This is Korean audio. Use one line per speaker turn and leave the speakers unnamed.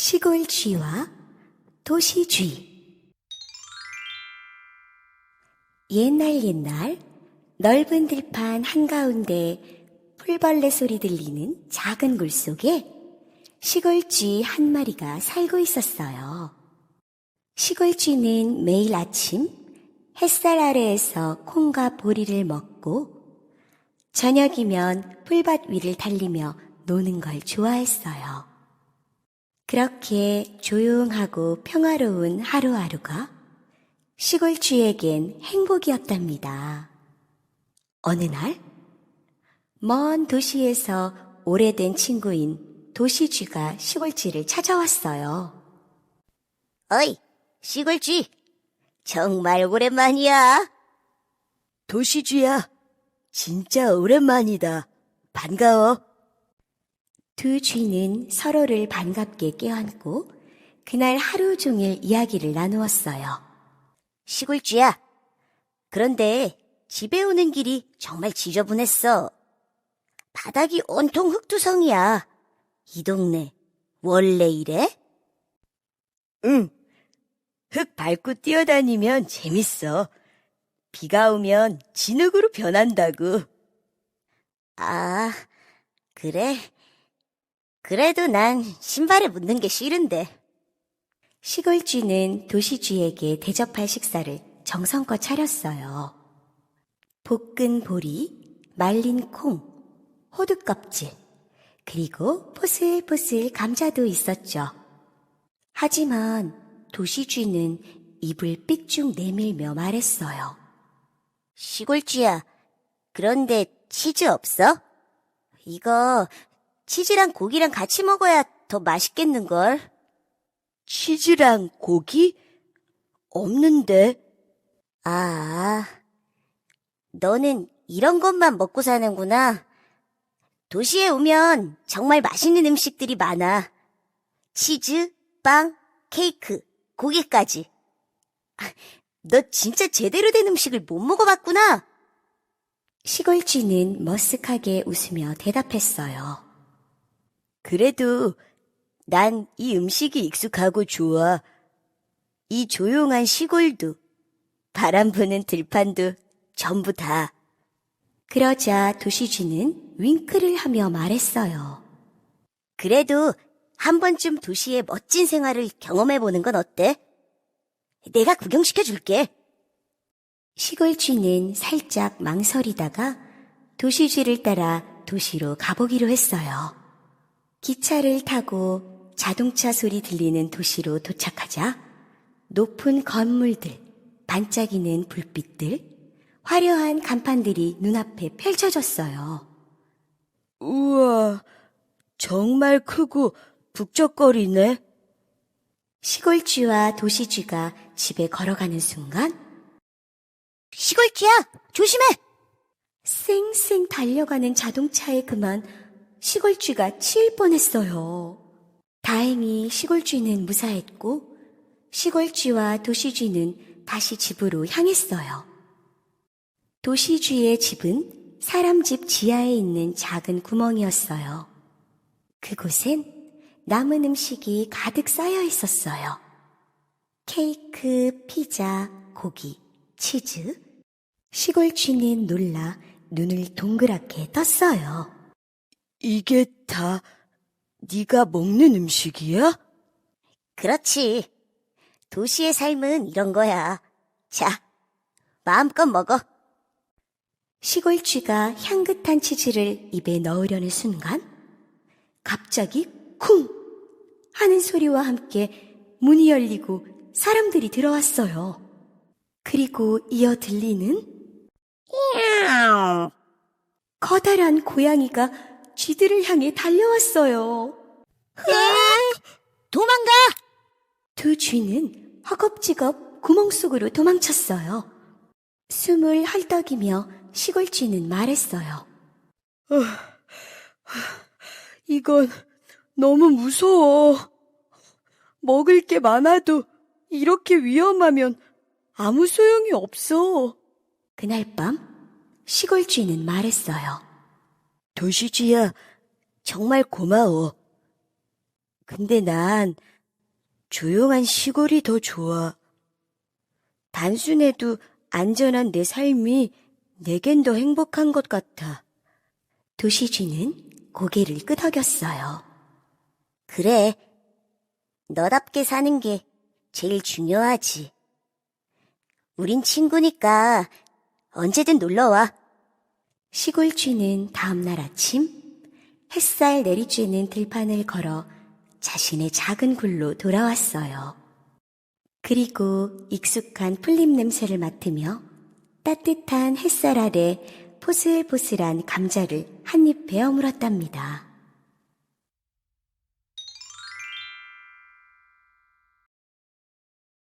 시골 쥐와 도시 쥐. 옛날 넓은 들판 한가운데 풀벌레 소리 들리는 작은 굴 속에 시골 쥐 한 마리가 살고 있었어요. 시골 쥐는 매일 아침 햇살 아래에서 콩과 보리를 먹고 저녁이면 풀밭 위를 달리며 노는 걸 좋아했어요. 그렇게 조용하고 평화로운 하루하루가 시골 쥐에겐 행복이었답니다. 어느 날, 먼 도시에서 오래된 친구인 도시 쥐가 시골 쥐를 찾아왔어요.
어이, 시골 쥐. 정말 오랜만이야.
도시 쥐야, 진짜 오랜만이다. 반가워.
두 쥐는 서로를 반갑게 껴안고 그날 하루 종일 이야기를 나누었어요.
시골 쥐야. 그런데 집에 오는 길이 정말 지저분했어. 바닥이 온통 흙투성이야. 이 동네 원래 이래?
응, 흙 밟고 뛰어다니면 재밌어. 비가 오면 진흙으로 변한다고.
아, 그래? 그래도 난 신발에 묻는 게 싫은데.
시골 쥐는 도시 쥐에게 대접할 식사를 정성껏 차렸어요. 볶은 보리, 말린 콩, 호두 껍질, 그리고 포슬포슬 감자도 있었죠. 하지만 도시 쥐는 입을 삑쭉 내밀며 말했어요.
시골 쥐야. 그런데 치즈 없어? 이거 치즈랑 고기랑 같이 먹어야 더 맛있겠는걸?
치즈랑 고기? 없는데.
아, 너는 이런 것만 먹고 사는구나. 도시에 오면 정말 맛있는 음식들이 많아. 치즈, 빵, 케이크, 고기까지. 너 진짜 제대로 된 음식을 못 먹어봤구나.
시골 쥐는 머쓱하게 웃으며 대답했어요.
그래도 난 이 음식이 익숙하고 좋아. 이 조용한 시골도, 바람 부는 들판도 전부 다.
그러자 도시 쥐는 윙크를 하며 말했어요.
그래도 한 번쯤 도시의 멋진 생활을 경험해보는 건 어때? 내가 구경시켜줄게.
시골 쥐는 살짝 망설이다가 도시 쥐를 따라 도시로 가보기로 했어요. 기차를 타고 자동차 소리 들리는 도시로 도착하자 높은 건물들, 반짝이는 불빛들, 화려한 간판들이 눈앞에 펼쳐졌어요.
우와, 정말 크고 북적거리네.
시골 쥐와 도시 쥐가 집에 걸어가는 순간
시골 쥐야, 조심해!
쌩쌩 달려가는 자동차에 그만 시골 쥐가 치일 뻔했어요. 다행히 시골 쥐는 무사했고 시골 쥐와 도시 쥐는 다시 집으로 향했어요. 도시 쥐의 집은 사람 집 지하에 있는 작은 구멍이었어요. 그곳엔 남은 음식이 가득 쌓여 있었어요. 케이크, 피자, 고기, 치즈. 시골 쥐는 놀라 눈을 동그랗게 떴어요.
이게 다 네가 먹는 음식이야?
그렇지. 도시의 삶은 이런 거야. 자, 마음껏 먹어.
시골 쥐가 향긋한 치즈를 입에 넣으려는 순간 갑자기 쿵 하는 소리와 함께 문이 열리고 사람들이 들어왔어요. 그리고 이어 들리는 커다란 고양이가 쥐들을 향해 달려왔어요.
도망가!
두 쥐는 허겁지겁 구멍 속으로 도망쳤어요. 숨을 헐떡이며 시골 쥐는 말했어요.
이건 너무 무서워. 먹을 게 많아도 이렇게 위험하면 아무 소용이 없어.
그날 밤 시골 쥐는 말했어요.
도시 쥐야, 정말 고마워. 근데 난 조용한 시골이 더 좋아. 단순해도 안전한 내 삶이 내겐 더 행복한 것 같아.
도시쥐는 고개를 끄덕였어요.
그래. 너답게 사는 게 제일 중요하지. 우린 친구니까 언제든 놀러와.
시골쥐는 다음날 아침 햇살 내리쬐는 들판을 걸어 자신의 작은 굴로 돌아왔어요. 그리고 익숙한 풀잎 냄새를 맡으며 따뜻한 햇살 아래 포슬포슬한 감자를 한 입 베어 물었답니다.